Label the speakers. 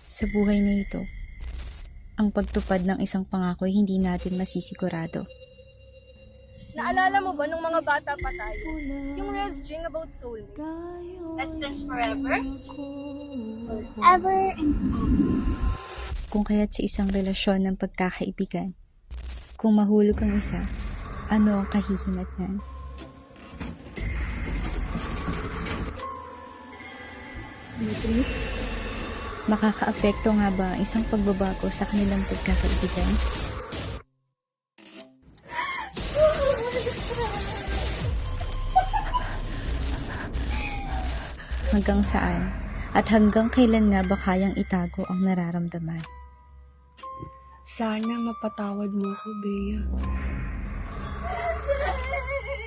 Speaker 1: Sa buhay na ito, ang pagtupad ng isang pangako ay hindi natin masisigurado.
Speaker 2: Naalala mo ba nung mga bata pa tayo? Yung real string about soulmate.
Speaker 3: Best friends forever?
Speaker 2: Forever and
Speaker 1: Kung kaya't sa isang relasyon ng pagkakaibigan, kung mahulog ang isa, ano ang kahihinatnan? Makakaapekto nga ba ang isang pagbabago sa kanilang pagkakaibigan? Hanggang saan at hanggang kailan nga ba kayang itago ang nararamdaman?
Speaker 4: Sana mapatawad mo ko, Bea.